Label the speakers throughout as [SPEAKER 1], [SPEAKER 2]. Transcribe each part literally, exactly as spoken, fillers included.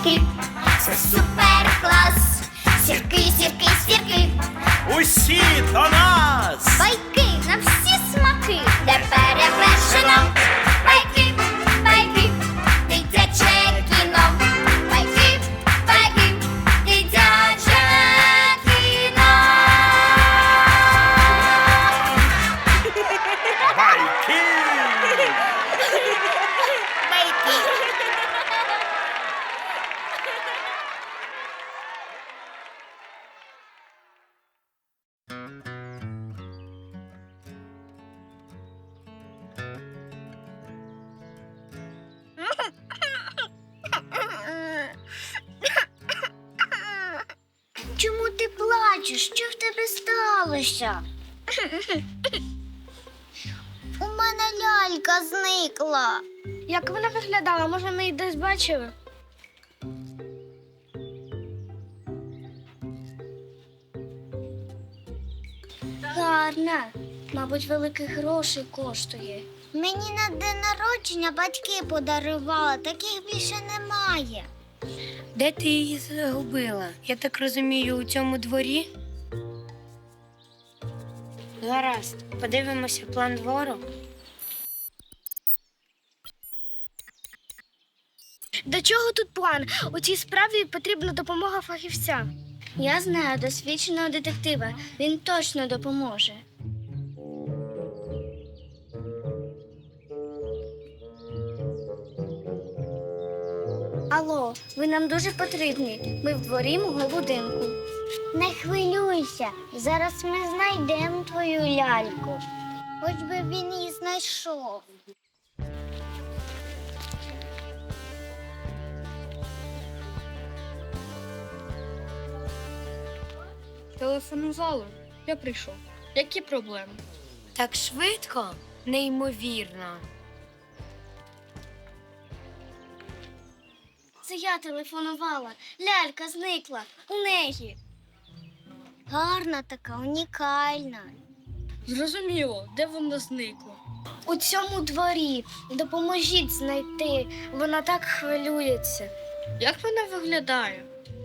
[SPEAKER 1] сірки, це супер клас. Сірки, сірки, сірки,
[SPEAKER 2] Усі до нас!
[SPEAKER 1] байки на всі смаки, де перевершено. Байки, байки, дитяче кіно. Байки, байки, дитяче кіно.
[SPEAKER 2] Байки!
[SPEAKER 1] Чому ти плачеш? Що в тебе сталося? У мене лялька зникла.
[SPEAKER 3] Як вона виглядала? Може, ми її десь бачили? Гарна. Мабуть, великих грошей коштує.
[SPEAKER 1] Мені на день народження батьки подарували, таких більше немає.
[SPEAKER 4] Де ти її загубила? Я так розумію, у цьому дворі? Гаразд, подивимося план двору.
[SPEAKER 3] До чого тут план? У цій справі потрібна допомога фахівця. Я знаю досвідченого детектива. Він точно допоможе. Алло, ви нам дуже потрібні. Ми в дворі мого будинку.
[SPEAKER 1] Не хвилюйся, зараз ми знайдемо твою ляльку. Хоч би він її знайшов.
[SPEAKER 5] Телефонували. Я прийшов. Які проблеми?
[SPEAKER 4] Так швидко? Неймовірно.
[SPEAKER 3] Це я телефонувала. Лялька зникла. У неї.
[SPEAKER 1] Гарна така, унікальна.
[SPEAKER 5] Зрозуміло, де вона зникла.
[SPEAKER 3] У цьому дворі. Допоможіть знайти. Вона так хвилюється.
[SPEAKER 5] Як вона виглядає?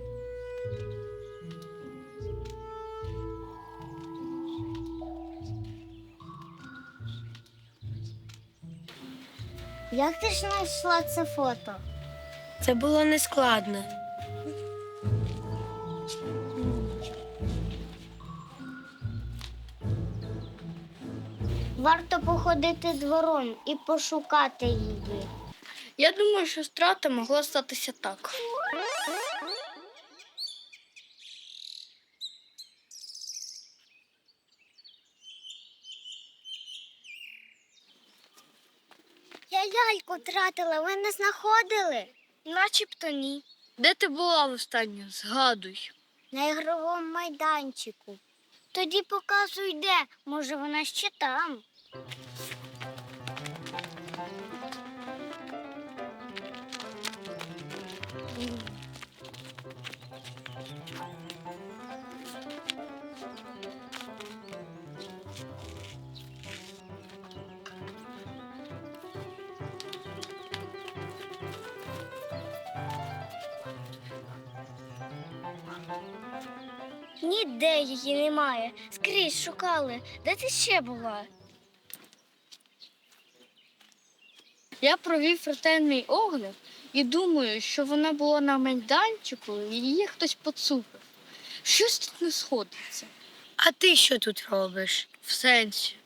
[SPEAKER 1] Як ти ж знайшла це фото?
[SPEAKER 4] Це було нескладно.
[SPEAKER 1] Варто походити двором і пошукати її.
[SPEAKER 5] Я думаю, що страта могла статися так.
[SPEAKER 1] Я ляльку втратила, ви не знаходили?
[SPEAKER 3] Начебто ні.
[SPEAKER 5] Де ти була востаннє? Згадуй.
[SPEAKER 1] На ігровому майданчику. Тоді показуй де, може вона ще там.
[SPEAKER 3] Ніде її немає. Скрізь шукали. Де ти ще була?
[SPEAKER 5] Я провів ретельний огляд і думаю, що вона була на майданчику і її хтось поцупив. Щось тут не сходиться.
[SPEAKER 4] А ти що тут робиш?
[SPEAKER 5] В сенсі.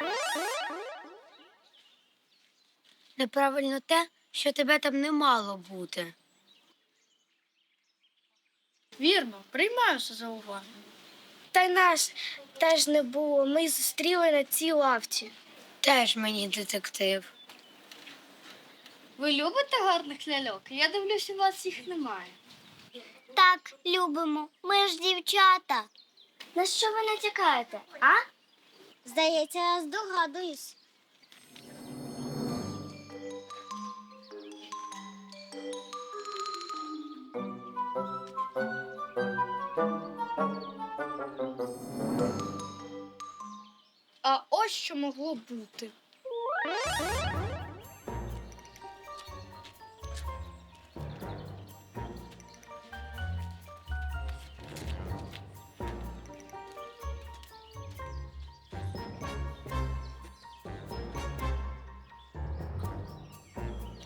[SPEAKER 4] Неправильно те, що тебе там не мало бути.
[SPEAKER 5] Вірно, приймаюся за увагу.
[SPEAKER 3] Та й нас теж не було. Ми й зустріли на цій лавці.
[SPEAKER 4] Теж мені детектив.
[SPEAKER 5] Ви любите гарних ляльок? Я дивлюся, у вас їх немає.
[SPEAKER 1] Так, любимо. Ми ж дівчата.
[SPEAKER 3] На що ви натякаєте, а?
[SPEAKER 1] Здається, я здогадуюсь.
[SPEAKER 5] А ось що могло бути.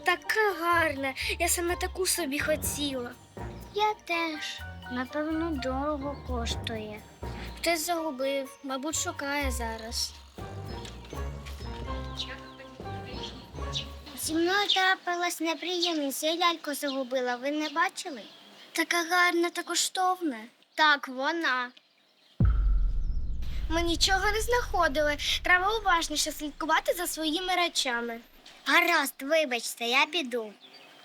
[SPEAKER 3] Така гарна. Я саме таку собі хотіла.
[SPEAKER 1] Я теж. Напевно, дорого коштує.
[SPEAKER 3] Хтось загубив, мабуть, шукає зараз.
[SPEAKER 1] Зі мною трапилась неприємність, я ляльку загубила. Ви не бачили?
[SPEAKER 3] Така гарна та коштовна.
[SPEAKER 1] Так, вона.
[SPEAKER 3] Ми нічого не знаходили. Треба уважніше слідкувати за своїми речами.
[SPEAKER 1] Гаразд, вибачте, я піду.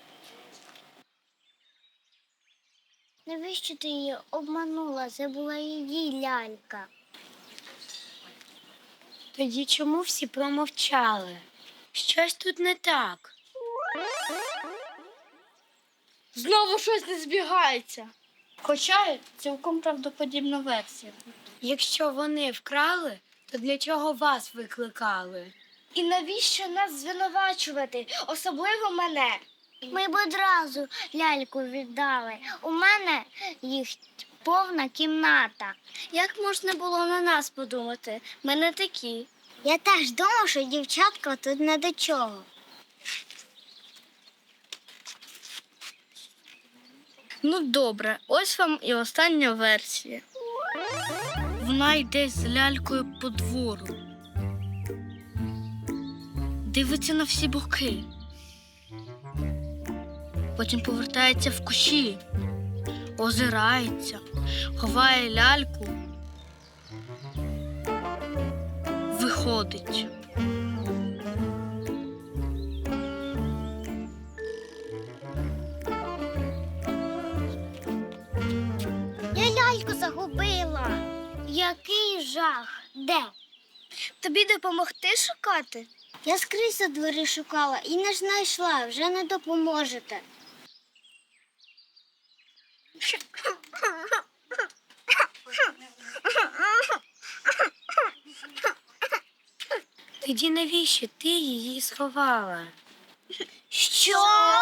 [SPEAKER 1] Навіщо ти її обманула? Це була її лялька.
[SPEAKER 4] Тоді чому всі промовчали? Щось тут не так.
[SPEAKER 5] Знову щось не збігається. Хоча цілком правдоподібна версія.
[SPEAKER 4] Якщо вони вкрали, то для чого вас викликали?
[SPEAKER 3] І навіщо нас звинувачувати, особливо мене?
[SPEAKER 1] Ми б одразу ляльку віддали. У мене їх повна кімната.
[SPEAKER 3] Як можна було на нас подумати? Ми не такі.
[SPEAKER 1] Я теж думав, що дівчатка тут не до чого.
[SPEAKER 5] Ну добре, ось вам і остання версія. Вона йде з лялькою по двору. Дивиться на всі боки. Потім повертається в кущі, озирається, ховає ляльку, виходить.
[SPEAKER 1] Я ляльку загубила. Який жах. Де?
[SPEAKER 3] Тобі допомогти шукати?
[SPEAKER 1] Я скрізь за двері шукала і не знайшла, вже не допоможете.
[SPEAKER 4] Тоді навіщо ти її сховала?
[SPEAKER 1] Що?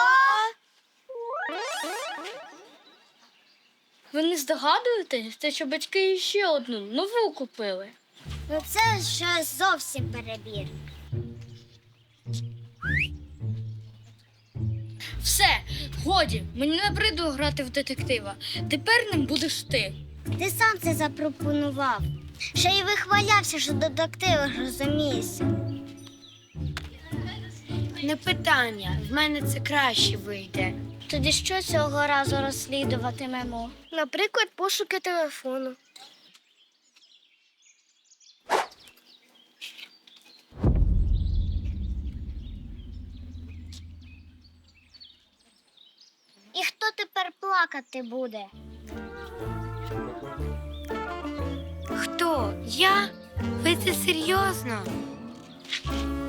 [SPEAKER 5] Ви не здогадуєтесь, те, що батьки ще одну нову купили?
[SPEAKER 1] Ну це вже зовсім перебір.
[SPEAKER 5] Все, годі, мені набридло грати в детектива. Тепер ним будеш ти.
[SPEAKER 1] Ти сам це запропонував. Ще й вихвалявся, що детективи розумієшся.
[SPEAKER 4] Не питання, в мене це краще вийде.
[SPEAKER 3] Тоді що цього разу розслідуватимемо? Наприклад, пошуки телефону.
[SPEAKER 1] І хто тепер плакати буде?
[SPEAKER 4] Хто? Я? Ви це серйозно?